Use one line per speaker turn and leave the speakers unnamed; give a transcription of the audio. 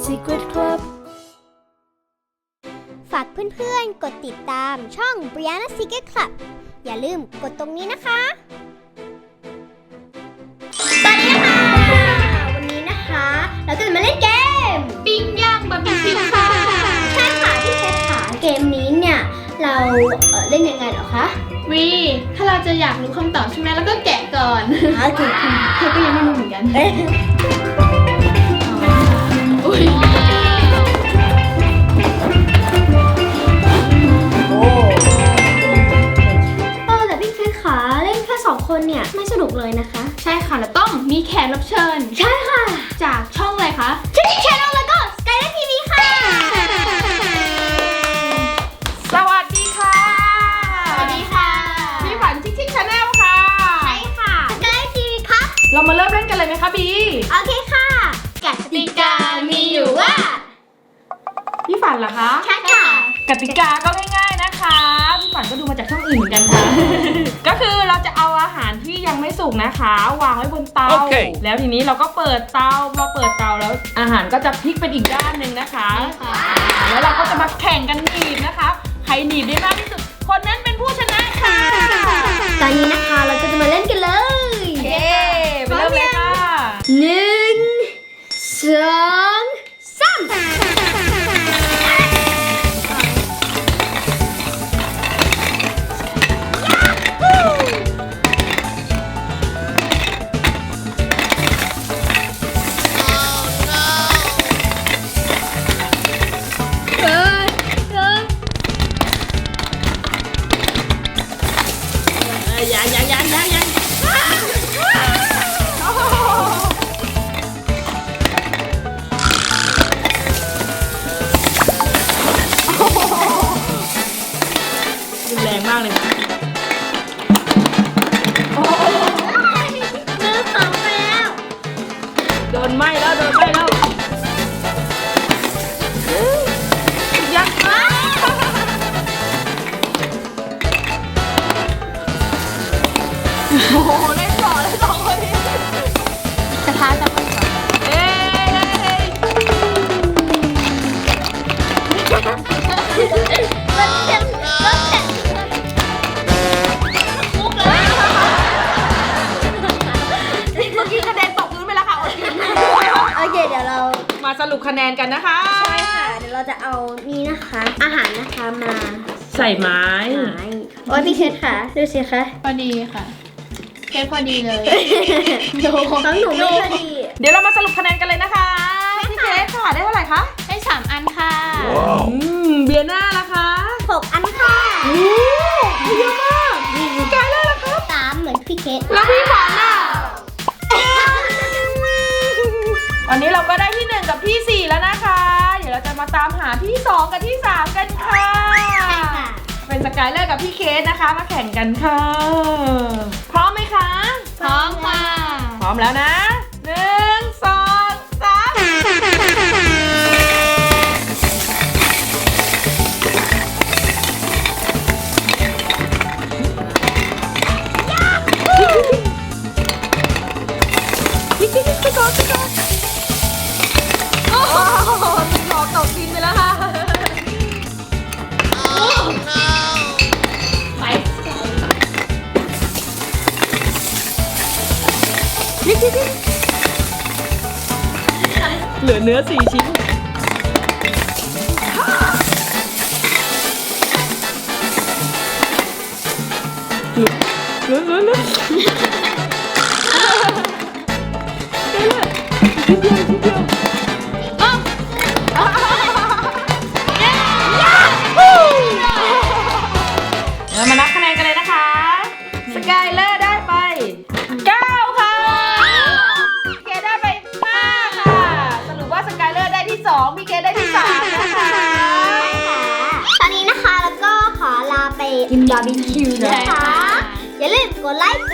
Secret Club
ฝากเพื่อนๆกดติดตามช่อง Brianna Secret Club อย่าลืมกดตรงนี้นะคะสวัสดีค่ะวันนี้นะคะเราจะมาเล่นเกมปิ้งย่างบาร์บีคิวค่ะใช่ค่ะพี่เพชรค่ะเกมนี้เนี่ยเราเล่นยังไงเหรอคะ
ถ้าเราจะอยากรู้คำตอบใช่ไหมแล้วก็แกะก่อน
โอเค
เธอก็ยังไม่รู้เหมือนกันอุ้ย
แต่พี่เพชรขาเล่นแค่2 คนเนี่ยไม่สนุกเลยนะคะ
ใช่ค่ะแล้วต้องมีแขกรับเชิญ
ใช่ค่ะ
จากช่องอะไรคะ
ชิคกี้ชาแนลแล้วก็ Skyline TV ค่ะ
สวัสดีค่ะ
สวัสดีค่ะ
พี่ฝันชิคชาแนลค่ะ
ใช่ค่ะ Skyline TV ครับ
เรามาเริ่มเล่นกันเลยไหมคะบี
โอเคค่ะกติกามีอยู่ว่า
พี่ฝันเหรอคะ
ใช่ค่ะ
กติกาก็ง่ายๆนะคะพี่ฝันก็ดูมาจากช่องอื่นเหมือนกันค่ะ ก็คือเราจะเอาอาหารที่ยังไม่สุกนะคะวางไว้บนเตา แล้วทีนี้เราก็เปิดเตาพอเปิดเตาแล้วอาหารก็จะพลิกเป็นอีกด้านหนึ่งนะคะแล้วเราก็จะมาแข่งกันหนีบนะคะใครหนีบได้มากที่สุดคนนั้นเป็นผู้ชนะค่ะ
ตอนนี้นะคะเราก็จะมาเล่นกันเลย
เย้ไปเริ่มเลยค่ะ
1
แรงมากเลยโดนไหม้แล้วยักษ์โอ้โหเล่นต่อเลย2 คนนี้
กระทะจะไม่ก่อนโอเคเดี๋ยวเรา
มาสรุปคะแนนกันนะคะ
ใช่ค่ะเดี๋ยวเราจะเอานี่นะคะอาหารนะคะมา
ใส่ไม้
โอ้ยพี่เคสค่ะดูสิคะ
พอดีค่ะเคสพอดีเลย
ของหนูไม่พอดี
เดี๋ยวเรามาสรุปคะแนนกันเลยนะคะพี่เคสค่ะได้เท่าไหร่คะ
ได้3 อันค่ะ
เบียร์หน้าล่ะคะ
6 อันค่ะ
เยอะมากกายได้ล่ะคะ
3เหมือนพี่เคส
แล้วพี่ฝันอ่ะวันนี้เราก็ได้ที่1กับที่4แล้วนะคะเดี๋ยวเราจะมาตามหาที่2กับที่3กันค่ะเป็นสกายเลอร์กับพี่เคสนะคะมาแข่งกันค่ะพร้อมไหมคะ
พร้อมค่ะ
พร้อมแล้วนะ1 2 3ไปก่อนโอ้โหมันหลอกตกดินไปแล้วค่ะ
ไป
เหลือเนื้อ4 ชิ้นเหลือเรามานับคะแนนกันเลยนะคะสกายเลอร์ได้ไป9ค่ะพี่เคได้ไป5ค่ะสรุปว่าสกายเลอร์ได้ที่2พี่เคได้ที่3นะคะ
ตอนนี้นะคะแล้วก็ขอลาไปกินบาร์บีคิวนะคะอย่าลืมกดไลค์